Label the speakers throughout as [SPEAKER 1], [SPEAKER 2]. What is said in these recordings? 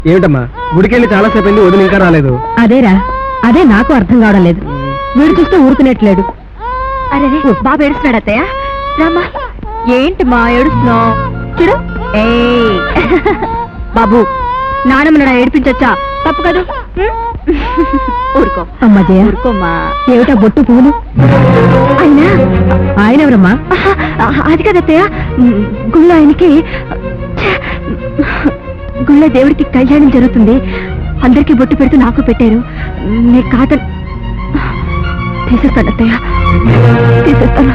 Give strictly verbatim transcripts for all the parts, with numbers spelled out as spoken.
[SPEAKER 1] ఏమిటమ్మా గుడికెళ్ళి చాలాసేపు అయింది, వదిన ఇంకా రాలేదు.
[SPEAKER 2] అదేరా, అదే నాకు అర్థం కావడం లేదు. వీడు చూస్తే ఊరుకునేట్లేడు. అరే బాబు ఏడుస్తున్నాడు అత్తయ్య. రామా, ఏంటి మా ఏడుస్తున్నావు? చూడు. ఏ బాబు, నానమ్మని ఏడిపించొచ్చా? తప్పు కదా. ఊరుకో అమ్మా జయ, ఊరుకోమ్మా. ఏమిటా బొట్టు పువ్వులు? ఆయన ఆయన ఎవరమ్మా? అది కదత్తయ్య, గుళ్ళో ఆయనకి గుళ్ళో దేవుడికి కళ్యాణం జరుగుతుంది. అందరికీ బొట్టు పెడుతూ నాకు పెట్టారు. నేను కాద తీసేస్తాను అత్తయ్య, తీసేస్తాను.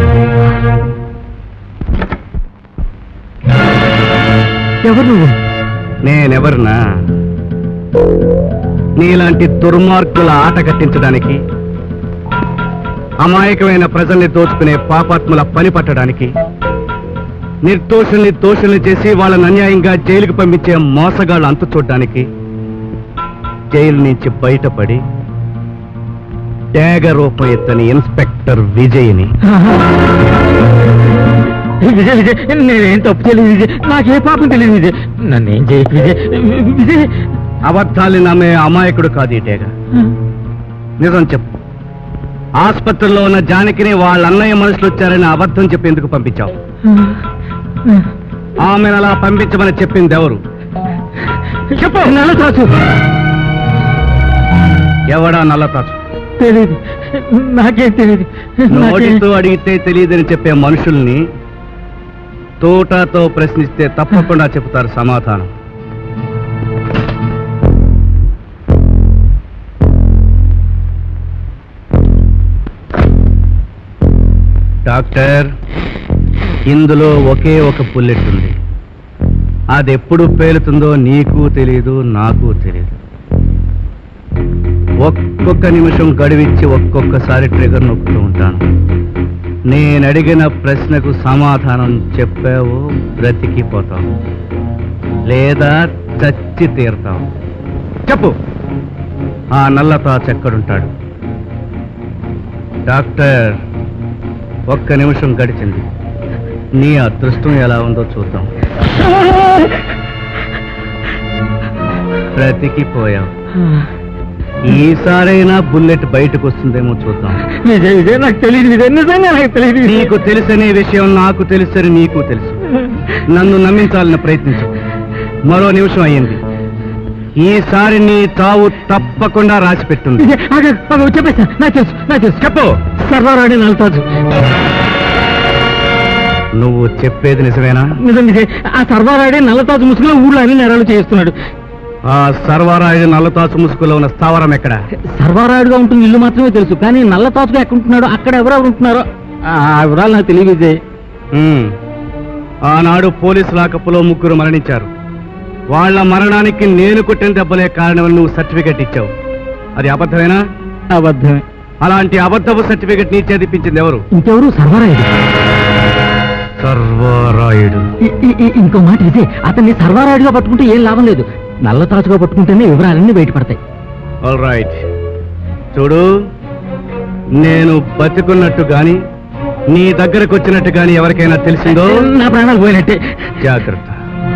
[SPEAKER 1] ఎవరు నువ్వు?
[SPEAKER 3] నేనెవరునా? నీలాంటి దుర్మార్గుల ఆట కట్టించడానికి, అమాయకమైన ప్రజల్ని దోచుకునే పాపాత్ముల పని పట్టడానికి, నిర్దోషుల్ని దోషుల్ని చేసి వాళ్ళని అన్యాయంగా జైలుకు పంపించే మోసగాళ్ళు అంతు చూడ్డానికి జైలు నుంచి బయటపడి త్యాగ రూపం ఎత్తని ఇన్స్పెక్టర్ విజయ్ని.
[SPEAKER 1] విజయ్ విజయ్, నేనేం తప్పు చేయలేదు విజయ్, నాకే పాపం తెలియదు విజయ్, నన్నేం చేయకు విజయ్. విజయ్,
[SPEAKER 3] అబద్ధాన్ని నమ్మే అమాయకుడు కాదు ఈ టేగ. నిజం చెప్పు, ఆసుపత్రిలో ఉన్న జానకిని వాళ్ళ అన్నయ్య మనుషులు వచ్చారని అబద్ధం చెప్పి ఎందుకు పంపించావు? ఆమెను అలా పంపించమని చెప్పింది ఎవరు?
[SPEAKER 1] చెప్పు. నల్లతాచు.
[SPEAKER 3] ఎవడా నల్లతాచు?
[SPEAKER 1] తెలీదు, నాకేం తెలీదు.
[SPEAKER 3] నోటితో అడిగితే తెలియదని చెప్పే మనుషుల్ని తోటతో ప్రశ్నిస్తే తప్పకుండా చెబుతారు సమాధానం. డాక్టర్, ఇందులో ఒకే ఒక బుల్లెట్ ఉంది. అది ఎప్పుడు పేలుతుందో నీకు తెలీదు, నాకు తెలీదు. ఒక్కొక్క నిమిషం గడివిచ్చి ఒక్కొక్కసారి ట్రిగర్ నొక్కుతూ ఉంటాను. నేను అడిగిన ప్రశ్నకు సమాధానం చెప్పావు, బ్రతికిపోతావు, లేదా చచ్చి తీరుతావు. చెప్పు, ఆ నల్లతాచు ఎక్కడుంటాడు? డాక్టర్, ఒక్క నిమిషం గడిచింది. నీ అదృష్టం ఎలా ఉందో చూద్దాం. బ్రతికిపోయావు. ఈసారైనా బుల్లెట్ బయటకు వస్తుందేమో చూద్దాం.
[SPEAKER 1] విజయ్ విజయ్, నాకు తెలియదు విజయ్, నిజంగా నాకు తెలియదు.
[SPEAKER 3] నీకు తెలుసనే విషయం నాకు తెలుసని నీకు తెలుసు. నన్ను నమ్మించాలని ప్రయత్నించు. మరో నిమిషం అయ్యింది. ఈసారి నీ చావు తప్పకుండా రాసి పెట్టుంది.
[SPEAKER 1] చెప్పేసా, నాకు తెలుసు, నాకు తెలుసు.
[SPEAKER 3] చెప్పు.
[SPEAKER 1] సర్వారాణి నల్లతాచు.
[SPEAKER 3] నువ్వు చెప్పేది నిజమేనా?
[SPEAKER 1] నిజం విజయ్, ఆ సర్వారాయుడే నల్లతాచు ముసుగులో ఊళ్ళో అన్ని నేరాలు చేస్తున్నాడు.
[SPEAKER 3] ఆ సర్వారాయుడు నల్లతాచు ముసుగులో ఉన్న స్థావరం ఎక్కడ?
[SPEAKER 1] సర్వారాయుడుగా ఉంటుంది ఇల్లు మాత్రమే తెలుసు, కానీ నల్లతాచుగా ఎక్కడుంటున్నాడో, అక్కడ ఎవరెవరు ఉంటున్నారో ఆ వివరాలు నాకు తెలియదు విజయ్.
[SPEAKER 3] ఆనాడు పోలీసు లాకప్పులో ముగ్గురు మరణించారు. వాళ్ళ మరణానికి నేను కొట్టిన దెబ్బలే కారణమని నువ్వు సర్టిఫికెట్ ఇచ్చావు. అది అబద్ధమేనా?
[SPEAKER 1] అబద్ధమే.
[SPEAKER 3] అలాంటి అబద్ధపు సర్టిఫికెట్ నీ చేతిపించింది ఎవరు?
[SPEAKER 1] ఇంకెవరు? సర్వారాయుడు.
[SPEAKER 3] సర్వారాయుడు.
[SPEAKER 1] ఇంకో మాట విజయ్, అతన్ని సర్వారాయుడుగా పట్టుకుంటే ఏం లాభం లేదు, నల్లతాచుగా పట్టుకుంటేనే వివరాలన్నీ బయటపడతాయి.
[SPEAKER 3] All right. చూడు, నేను బతికున్నట్టు గాని నీ దగ్గరకు వచ్చినట్టు గాని ఎవరికైనా తెలిసిందో
[SPEAKER 1] నా ప్రాణాలు పోయినట్టే.
[SPEAKER 3] జాగ్రత్త.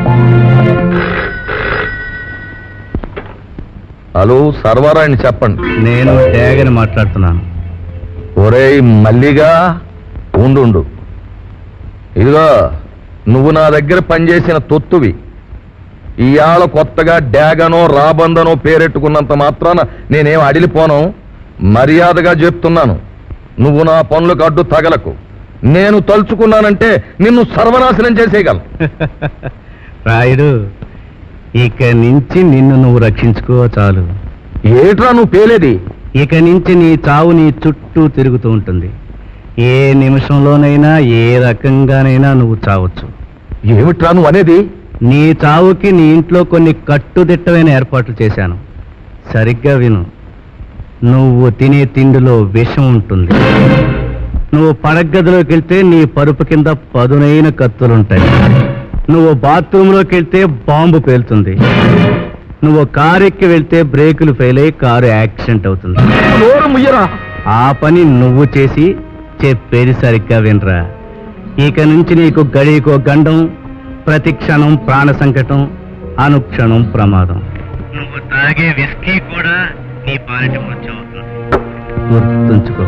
[SPEAKER 4] హలో, సర్వారాయణ చెప్పండి.
[SPEAKER 3] నేను ట్యాగని మాట్లాడుతున్నాను.
[SPEAKER 4] ఒరేయ్ మల్లిగా, ఉండు. ఇదిగో, నువ్వు నా దగ్గర పనిచేసిన తొత్తువి. ఇవాళ కొత్తగా డ్యాగనో రాబందనో పేరెట్టుకున్నంత మాత్రాన నేనేం అడిలిపోను. మర్యాదగా చెప్తున్నాను, నువ్వు నా పనులకు అడ్డు తగలకు. నేను తలుచుకున్నానంటే నిన్ను సర్వనాశనం చేసేయగలను.
[SPEAKER 3] రాయుడు, ఇక నుంచి నిన్ను నువ్వు రక్షించుకో చాలు.
[SPEAKER 4] ఏట్రా నువ్వు పేలేది?
[SPEAKER 3] ఇక నుంచి నీ చావు నీ చుట్టూ తిరుగుతూ ఉంటుంది. ఏ నిమిషంలోనైనా ఏ రకంగానైనా నువ్వు చావచ్చు.
[SPEAKER 4] ఏమిట్రా నువ్వు అనేది?
[SPEAKER 3] నీ చావుకి నీ ఇంట్లో కొన్ని కట్టుదిట్టమైన ఏర్పాట్లు చేశాను. సరిగ్గా విను. నువ్వు తినే తిండిలో విషం ఉంటుంది. నువ్వు పడగదిలోకి వెళ్తే నీ పరుపు కింద పదునైన కత్తులుంటాయి. నువ్వు బాత్రూంలోకి వెళ్తే బాంబు పేలుతుంది. నువ్వు కారెక్కి వెళ్తే బ్రేకులు ఫెయిల్ అయ్యి కారు యాక్సిడెంట్ అవుతుంది. ఆ పని నువ్వు చేసి చెప్పేది సరిగ్గా వినరా. ఇక నుంచి నీకు గడికో గండం, ప్రతి క్షణం ప్రాణ సంకటం, అనుక్షణం ప్రమాదం. నువ్వు తాగే విస్కీ కూడా నీ పాలిటి మృత్యు అవుతుంది. గుర్తుంచుకో.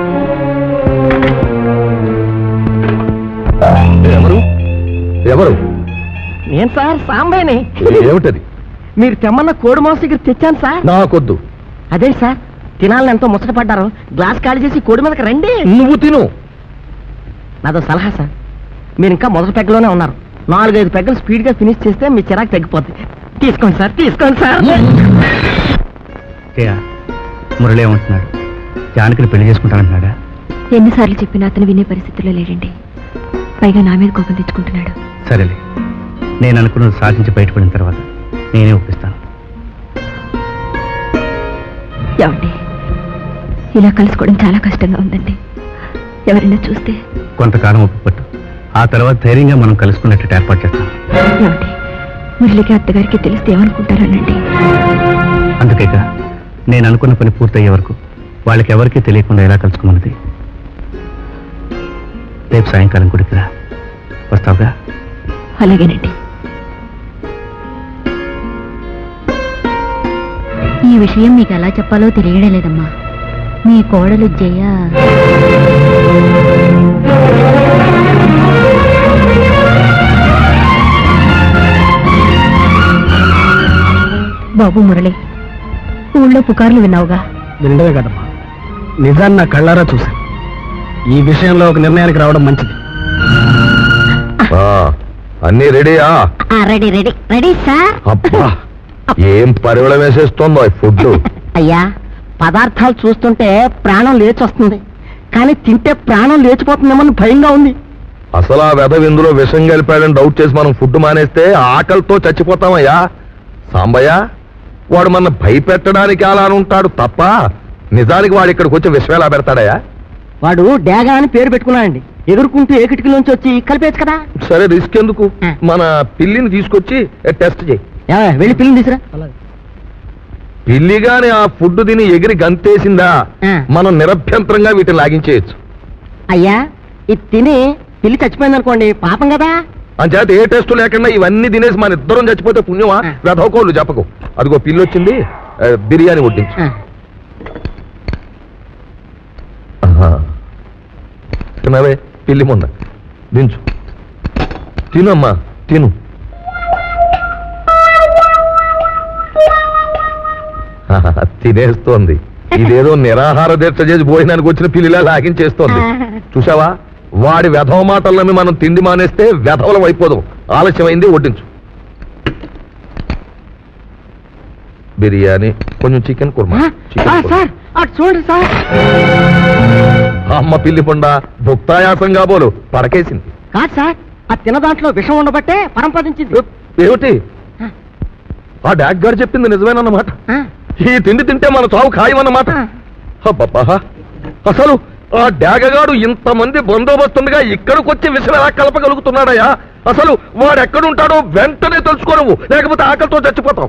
[SPEAKER 4] ఎవరు ఎవరు
[SPEAKER 5] నేను సార్ సాంబయ్యని.
[SPEAKER 4] ఏమిటది?
[SPEAKER 5] మీరు తెమ్మన్న కోడి మాంసం దగ్గర తెచ్చాను సార్.
[SPEAKER 4] నాకొద్దు.
[SPEAKER 5] అదే సార్, తినాలని ఎంతో ముచ్చట పడ్డారు. గ్లాస్ ఖాళీ చేసి కోడి మీదకి రండి.
[SPEAKER 4] నువ్వు తిను.
[SPEAKER 5] నాదో సలహా సార్, మీరు ఇంకా మొదటి పెగ్గలోనే ఉన్నారు. నాలుగైదు పెగ్గలు స్పీడ్ గా ఫినిష్ చేస్తే మీ చిరాకు తగ్గిపోతుంది. తీసుకోండి సార్, తీసుకోండి సార్.
[SPEAKER 3] జయ, మురళి ఏమంటున్నాడు? జానకిని పెళ్లి చేసుకుంటానంటున్నాడా?
[SPEAKER 2] ఎన్నిసార్లు చెప్పినా అతను వినే పరిస్థితుల్లో లేడండి. పైగా నా మీద కోపం తెచ్చుకుంటున్నాడు.
[SPEAKER 3] సరేలే, నేను అనుకున్నది సాధించి బయటపడిన తర్వాత నేనే ఒప్పిస్తాను.
[SPEAKER 2] ఏమండి, ఇలా కలుసుకోవడం చాలా కష్టంగా ఉందండి. ఎవరైనా చూస్తే?
[SPEAKER 3] కొంతకాలం ఒప్పుపట్టు, ఆ తర్వాత ధైర్యంగా మనం కలుసుకున్నట్టు ఏర్పాటు చేస్తాం.
[SPEAKER 2] ఏమండి, మురళికి అత్తగారికి తెలిస్తే ఏమనుకుంటారనండి?
[SPEAKER 3] అందుకేక నేను అనుకున్న పని పూర్తయ్యే వరకు వాళ్ళకి ఎవరికీ తెలియకుండా ఎలా కలుసుకున్నది. రేపు సాయంకాలం గుడికి రా, వస్తావుగా?
[SPEAKER 2] అలాగేనండి. ఈ విషయం మీకు ఎలా చెప్పాలో తెలియడం లేదమ్మా. మీ కోడలు జయ బాబు మురళి, ఊళ్ళో పుకార్లు విన్నావుగా?
[SPEAKER 1] వినడమే కదమ్మా, నిజాన్ని నా కళ్ళారా చూశాను. ఈ విషయంలో ఒక నిర్ణయానికి రావడం మంచిది.
[SPEAKER 4] ఆ, అన్నీ రెడీయా?
[SPEAKER 2] Ready ready ready sir.
[SPEAKER 4] అబ్బా, ఏం పరివళ వేసేస్తోందో ఈ ఫుడ్.
[SPEAKER 5] అయ్యా, పదార్థాలు చూస్తుంటే ప్రాణం లేచొస్తుంది, కానీ తింటే ప్రాణం లేచిపోతుందేమని భయంగా ఉంది.
[SPEAKER 4] అసలు ఆ వెధవ ఇందులో విషం కలిపాడని డౌట్ చేసి మనం ఫుడ్ మానేస్తే ఆకలితో చచ్చిపోతామయ్యా. సాంబయ్య, వాడు మన భయపెట్టడానికి అలా ఉంటాడు తప్ప నిజానికి వాడు ఇక్కడికి వచ్చి విషం ఎలా పెడతాడయ్యా?
[SPEAKER 5] వాడు డేగా అని పేరు పెట్టుకున్నాడండి. ఎగురుకుంటూ ఏ కిటికీలోంచి వచ్చి కలిపేచ్చు కదా.
[SPEAKER 4] సరే, రిస్క్ ఎందుకు? మన పిల్లిని తీసుకొచ్చి టెస్ట్ చేయి.
[SPEAKER 5] ఏమయ్య, వెళ్ళి పిల్లిని తీసురా.
[SPEAKER 4] పిల్లిగాని ఆ ఫుడ్ తిని ఎగిరి గంతేసిందా,
[SPEAKER 5] ఆ.
[SPEAKER 4] మనం నిరభ్యంతరంగా వీటిని లాగించేయచ్చు.
[SPEAKER 5] అయ్యా, ఇది తిని పిల్లి చచ్చిపోయింది అనుకోండి, పాపం కదా.
[SPEAKER 4] అంచేత ఏ టెస్ట్ లేకుండా ఇవన్నీ తినేసి మన ఇద్దరం చచ్చిపోతే పుణ్యమా?
[SPEAKER 5] ఆ.
[SPEAKER 4] వెధవకోళ్ళు చెప్పకు. అదిగో పిల్లి వచ్చింది, ఆ, బిర్యానీ వడ్డించు.
[SPEAKER 5] ఆ.
[SPEAKER 4] ఆహా. తినవే, పిల్లి మొన్న దించు. తినమ్మా, తిను. ఆహా, తినేస్తోంది. ఇదేదో నిరాహార దీక్ష చేసి భోజనానికి వచ్చిన పిల్లిలా లాగించేస్తోంది. చూసావా, వాడి వెధవ మాటలు నమ్మి మనం తిండి మానేస్తే వెధవలం అయిపోదాం. ఆలస్యమైంది, వడ్డించు. బిర్యానీ, కొంచెం చికెన్ కుర్మా.
[SPEAKER 5] ఆ,
[SPEAKER 4] చికెన్
[SPEAKER 5] ఆ,
[SPEAKER 4] కుర్మా.
[SPEAKER 5] సార్ అటు చూడండి సార్.
[SPEAKER 4] అమ్మ పిల్లి పొండ భుక్తాయాసంగా బోలు పడకేసింది.
[SPEAKER 5] కాదు సార్, ఆ తిన్న దాంట్లో విషం ఉండబట్టే పరంపదించింది.
[SPEAKER 4] ఏమిటి? ఆ డాక్ గారు చెప్పింది నిజమేనన్నమాట.
[SPEAKER 5] ఆ.
[SPEAKER 4] ఈ తిండి తింటే మన చావు ఖాయమన్నమాట.
[SPEAKER 5] ఆ.
[SPEAKER 4] అబ్బబ్బా, అసలు ఆ డాగగాడు ఇంతమంది బందోబస్తుండగా ఇక్కడికి వచ్చి విషయం ఎలా కలపగలుగుతున్నాడయ్యా? అసలు వాడు ఎక్కడుంటాడో వెంటనే తెలుసుకోను, లేకపోతే ఆకలితో చచ్చిపోతాం.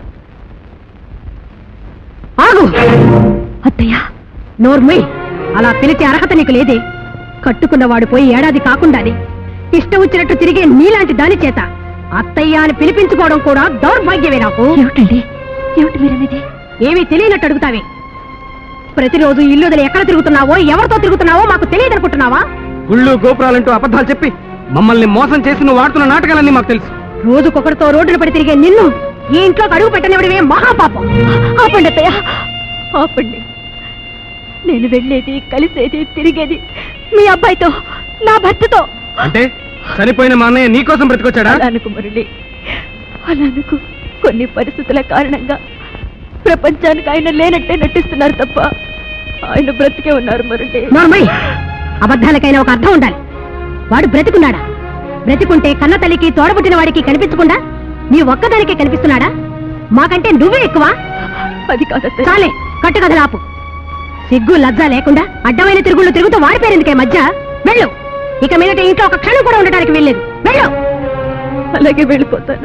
[SPEAKER 2] ఆగు అత్తయ్య, నోర్మై. అలా పిలిచే అర్హత నీకు లేదే. కట్టుకున్నవాడు పోయి ఏడాది కాకుండానే ఇష్టం వచ్చినట్టు తిరిగే నీలాంటి దాని చేత అత్తయ్య అని పిలిపించుకోవడం కూడా దౌర్భాగ్యమే నాకు. ఏమిటండి, ఏమిటి మీరనేది? ఏమీ తెలియనట్టు అడుగుతావే. ప్రతిరోజు ఇల్లు వదిలి ఎక్కడ తిరుగుతున్నావో, ఎవరితో తిరుగుతున్నావో మాకు తెలియదనుకుంటున్నావా?
[SPEAKER 1] గుళ్ళు గోపురాలంటూ అబద్ధాలు చెప్పి మమ్మల్ని మోసం చేసి నువ్వు ఆడుతున్న నాటకాలన్నీ మాకు తెలుసు.
[SPEAKER 2] రోజుకొకరితో రోడ్డున పడి తిరిగే నిన్ను ఈ ఇంట్లోకి అడుగు పెట్టనివడివే మహాపాపం. ఆపండి అత్తయ్య, ఆపండి. నేను వెళ్ళేది, కలిసేది, తిరిగేది మీ అబ్బాయితో, నా భర్తతో.
[SPEAKER 1] అంటే చనిపోయిన మా అన్నయ్య నీకోసం బ్రతికొచ్చాడా?
[SPEAKER 2] అలా అనుకు మురళి, అలా అనుకు. కొన్ని పరిస్థితుల కారణంగా ప్రపంచానికి ఆయన లేనట్టే నటిస్తున్నారు తప్ప ఆయన బ్రతికే ఉన్నారు మురళి. నోర్మై, అబద్ధాలకైనా ఒక అర్థం ఉండాలి. వాడు బ్రతికున్నాడా? బ్రతికుంటే కన్న తల్లికి తోడబుట్టిన వాడికి కనిపించకుండా నీ ఒక్కదానికే కనిపిస్తున్నాడా? మాకంటే నువ్వే ఎక్కువ. అది కాదు చాలే, కట్టుకథలు ఆపు. సిగ్గు లజ్జ లేకుండా అడ్డమైన తిరుగుళ్ళు తిరుగుతూ వాడిపోయేందుకే మధ్య. వెళ్ళు, ఇక మీదట ఇంట్లో ఒక క్షణం కూడా ఉండడానికి వెళ్ళలేదు. వెళ్ళు. అలాగే వెళ్ళిపోతాను.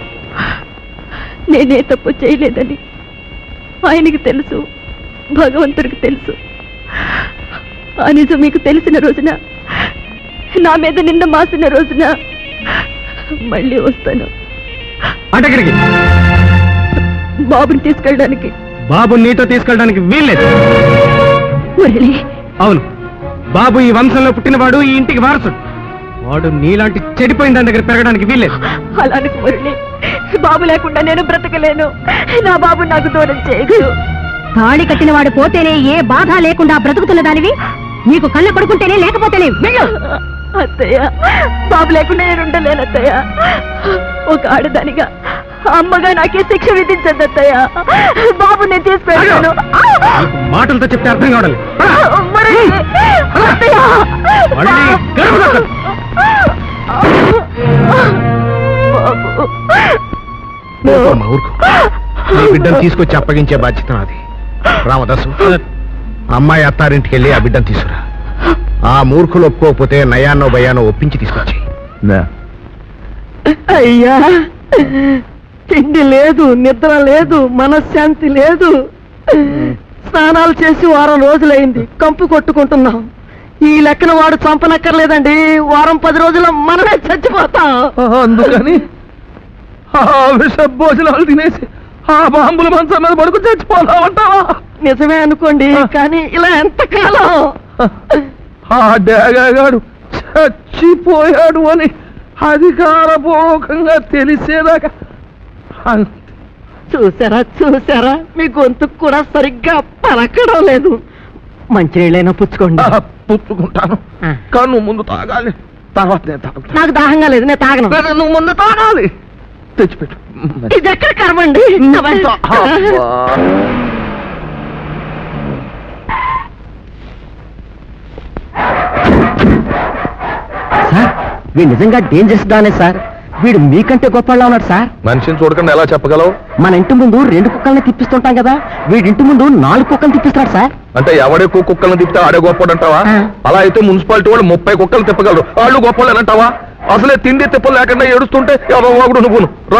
[SPEAKER 2] నేనే తప్పు చేయలేదని ఆయనకి తెలుసు, భగవంతుడికి తెలుసు. ఆ నిజం మీకు తెలిసిన రోజున, నా మీద నిన్న మాసిన రోజున మళ్ళీ వస్తాను.
[SPEAKER 3] అటెక్కడికి?
[SPEAKER 2] బాబుని తీసుకెళ్ళడానికి.
[SPEAKER 3] బాబు నీతో తీసుకెళ్ళడానికి వీల్లేదు.
[SPEAKER 2] మురళి,
[SPEAKER 3] అవును, బాబు ఈ వంశంలో పుట్టినవాడు, ఈ ఇంటికి వారసుడు. వాడు నీలాంటి చెడిపోయిన దాని దగ్గర పెరగడానికి వీల్లేదు.
[SPEAKER 2] అలానికి మురళి, బాబు లేకుండా నేను బ్రతకలేను. నా బాబు నాకు దూరం చేయదు. తాళి కట్టిన వాడు పోతేనే ఏ బాధ లేకుండా బ్రతుకుతున్న దానివి నీకు కళ్ళ పడుకుంటేనే లేకపోతేనే వెళ్ళు. అత్తయ్య, బాబు లేకుండా నేను ఉండలేను అత్తయ్య. ఒక ఆడదానిగా అమ్మగా నాకే శిక్ష విధించద్దు అత్తయ్య. బాబు నేను తీసుకెళ్ళాను.
[SPEAKER 3] మాటలతో చెప్తే అర్థం కావడాలి.
[SPEAKER 6] నీ బిడ్డను తీసుకొచ్చి అప్పగించే బాధ్యత నాది. రామదాసు, అమ్మాయి అత్తారింటికి వెళ్ళి ఆ బిడ్డను తీసుకురా. ఆ మూర్ఖులు ఒప్పుకోకపోతే నయాన్నో భయాన్నో ఒప్పించి తీసుకొచ్చి.
[SPEAKER 5] అయ్యా, తిండి లేదు, నిద్ర లేదు, మనశ్శాంతి లేదు. స్నానాలు చేసి వారం రోజులైంది, కంపు కొట్టుకుంటున్నాం. ఈ లెక్కన వాడు చంపనక్కర్లేదండి, వారం పది రోజుల మనమే చచ్చిపోతాం.
[SPEAKER 4] అందుకని ఆ విష భోజనాలు తినేసి ఆ బాంబుల మంచం మీద పడుకు చచ్చిపోతామంటావా?
[SPEAKER 5] నిజమే అనుకోండి, కానీ ఇలా ఎంతకాలం?
[SPEAKER 4] ఆ డేగాడు చచ్చిపోయాడు అని అధికారపూర్వకంగా తెలిసేదాకా
[SPEAKER 5] చూసారా చూసారా, మీ గొంతుకు కూడా సరిగ్గా పలకడం లేదు. మంచినీళ్ళైనా పుచ్చుకోండి.
[SPEAKER 4] పుచ్చుకుంటాను, కానీ నువ్వు ముందు తాగాలి, తర్వాత నేను తాగుతాను.
[SPEAKER 5] నాకు దాహంగా లేదు, నేను తాగను.
[SPEAKER 4] నువ్వు ముందు తాగాలి, తెచ్చిపెట్టు.
[SPEAKER 5] ఇది ఎక్కడ కర్మండి? సార్, వీడు నిజంగా డేంజరస్ దానే సార్. వీడు మీకంటే గొప్పలా ఉన్నాడు సార్.
[SPEAKER 4] మనిషిని చూడకుండా ఎలా చెప్పగలవు?
[SPEAKER 5] మన ఇంటి ముందు రెండు కుక్కల్ని తిప్పిస్తుంటాం కదా, వీడి ఇంటి ముందు నాలుగు కుక్కలు తిప్పిస్తాడు సార్.
[SPEAKER 4] అంటే ఎవడెక్కువ కుక్కలను తిప్పితే ఆడే గొప్పడంటావా? అలా అయితే మున్సిపాలిటీ వాళ్ళు ముప్పై కుక్కలు తిప్పగలరు, వాళ్ళు గొప్పలు అంటావా? అసలే తిండి తిప్పలు లేకుండా ఏడుస్తుంటే ఎవరో ఒకడు నువ్వును రా.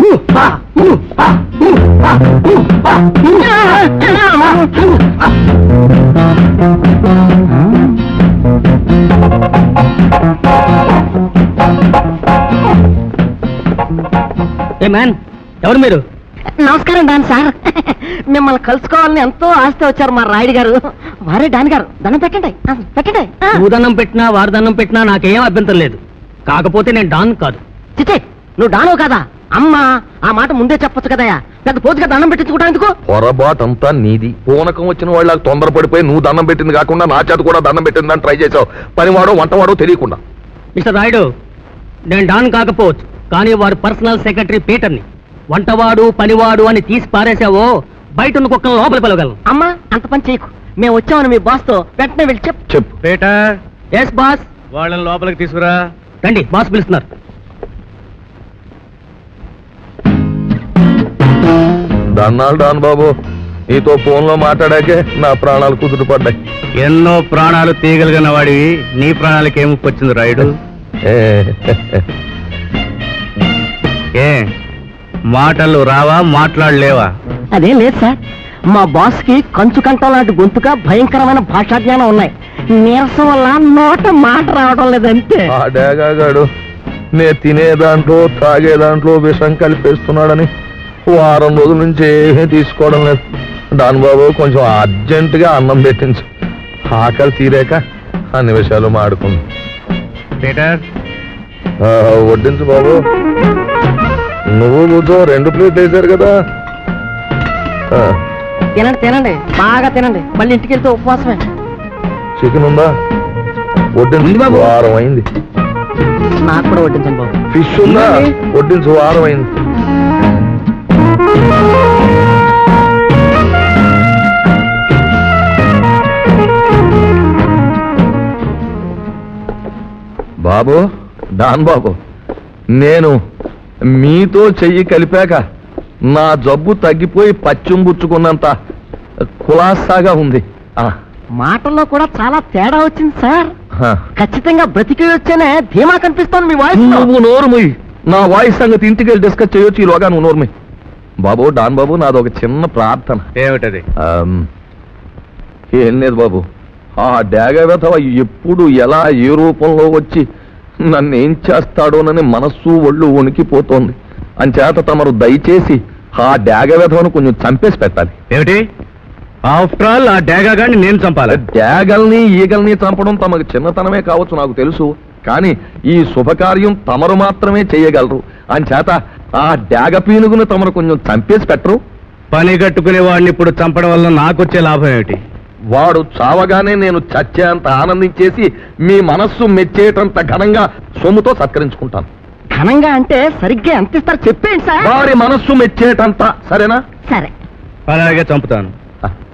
[SPEAKER 3] ఏ మ్యాన్, ఎవరు మీరు?
[SPEAKER 5] నమస్కారం డాన్ సార్. మిమ్మల్ని కలుసుకోవాలని ఎంతో ఆస్తి వచ్చారు మా రాయుడు గారు. వారే డాన్ గారు, దండం పెట్టండి పెట్టండి.
[SPEAKER 1] నువ్వు దండం పెట్టినా వారు దండం పెట్టినా నాకేం అభ్యంతరం లేదు. కాకపోతే నేను డాన్ కాదు.
[SPEAKER 5] చిచ్చే, నువ్వు డాను కదా? అమ్మా, ఆ మాట ముందే చెప్పొచ్చు కదయా. పెద్ద పోతుగా దండం పెట్టించుకోవడానికి.
[SPEAKER 4] పొరపాటంతా నీది. పూనకం వచ్చిన వాళ్ళ తొందరపడిపోయి నువ్వు దండం పెట్టింది కాకుండా నా చేత కూడా దండం పెట్టిందని ట్రై చేసావు. పనివాడో వంటవాడో తెలియకుండా.
[SPEAKER 1] మిస్టర్ రాయుడు, నేను డాన్ కాకపోవచ్చు, కానీ వారి పర్సనల్ సెక్రటరీ పీటర్ని. వంటవాడు పనివాడు అని తీసి పారేసావో బయట ఉన్న కుక్కలను లోపల పిలవగలను.
[SPEAKER 5] అమ్మా, అంత పని చేయకు. మేము వచ్చామని మీ బాస్ తో వెంటనే వెళ్ళి చెప్పు.
[SPEAKER 4] చెప్పు.
[SPEAKER 3] Peter,
[SPEAKER 1] yes boss.
[SPEAKER 3] వాళ్ళని లోపలికి తీసుకురా.
[SPEAKER 1] రండి, బాస్ పిలుస్తున్నారు.
[SPEAKER 4] దన్నాలు డాన్ బాబు, నీతో ఫోన్ లో మాట్లాడాకే నా ప్రాణాలు కుదురు పడ్డాయి.
[SPEAKER 3] ఎన్నో ప్రాణాలు తీయగలిగిన వాడివి, నీ ప్రాణాలకి ఏమి వచ్చింది రాయుడు? ఏ మాటలు రావా, మాట్లాడలేవా?
[SPEAKER 5] అదేం లేదు సార్, మా బాస్ కి కంచు కంఠం లాంటి గొంతుగా భయంకరమైన భాషా జ్ఞానం ఉన్నాయి. నీరసం వల్ల నోట మాట రావడం లేదంతే.
[SPEAKER 4] ఆ డేగాడు నే తినే దాంట్లో తాగే దాంట్లో విషం కలిపేస్తున్నాడని వారం రోజుల నుంచి ఏమీ తీసుకోవడం లేదు. డాన్ బాబు, కొంచెం అర్జెంట్ గా అన్నం పెట్టించు. ఆకలి తీరాక అన్ని విషయాలు మాడుకుందాం.
[SPEAKER 3] పీటర్,
[SPEAKER 4] వడ్డించు బాబు. నువ్వు కూర్చో, రెండు ప్లేట్లు వేశారు కదా.
[SPEAKER 5] తినండి తినండి, బాగా తినండి. మళ్ళీ ఇంటికి వెళ్తే ఉపవాసమే.
[SPEAKER 4] చికెన్ ఉందా? వడ్డించు, వారం అయింది.
[SPEAKER 5] నాకు కూడా వడ్డించండి బాబు.
[SPEAKER 4] ఫిష్ ఉందా? వడ్డించు, వారం అయింది. బాబు, డాన్ బాబు, నేను మీతో చెయ్యి కలిపాక నా జబ్బు తగ్గిపోయి పచ్చిం పుచ్చుకున్నంత కులాసాగా ఉంది.
[SPEAKER 5] మాటల్లో కూడా చాలా తేడా వచ్చింది సార్.
[SPEAKER 4] ఆ.
[SPEAKER 5] ఖచ్చితంగా బ్రతికి వచ్చేనే ధీమా కనిపిస్తోంది మీ వాయిస్.
[SPEAKER 4] నువ్వు నోరుముయ్. నా వాయిస్ సంగతి ఇంటికి వెళ్ళి డిస్కస్ చేయొచ్చు, ఈలోగా నువ్వు నోరుముయ్. బాబు, డాన్ బాబు, నాది ఒక చిన్న ప్రార్థన.
[SPEAKER 3] ఏమిటది?
[SPEAKER 4] ఆమ్, ఏం లేదు బాబు, ఆ డాగ వెధవ ఎప్పుడు ఎలా ఏ రూపంలో వచ్చి నన్ను ఏం చేస్తాడోనని మనస్సు ఒళ్ళు వణికిపోతోంది. అంచేత తమరు దయచేసి ఆ డాగ విధవను కొంచెం చంపేసి పెట్టాలి.
[SPEAKER 3] ఏమిటి ఆఫ్టర్ ఆల్ ఆ డేగా గాని నేను చంపాలి?
[SPEAKER 4] డ్యాగల్ని ఈగల్ని చంపడం తమకు చిన్నతనమే కావచ్చు, నాకు తెలుసు. కానీ ఈ శుభకార్యం తమరు మాత్రమే చేయగలరు. అంచేత ఆ డాగ పీనుగును తమరు కొంచెం చంపేసి పెట్టరు.
[SPEAKER 3] పని కట్టుకునే వాడిని ఇప్పుడు చంపడం వల్ల నాకొచ్చే లాభం ఏమిటి?
[SPEAKER 4] వాడు చావగానే నేను చచ్చేంత ఆనందించేసి మీ మనస్సు మెచ్చేటంత ఘనంగా సొమ్ముతో సత్కరించుకుంటాను.
[SPEAKER 5] ఘనంగా అంటే సరిగ్గా ఎంత ఇస్తారు చెప్పేయండి సార్.
[SPEAKER 4] వారి మనస్సు మెచ్చేటంత, సరేనా?
[SPEAKER 2] సరే
[SPEAKER 3] అలాగే చంపుతాను.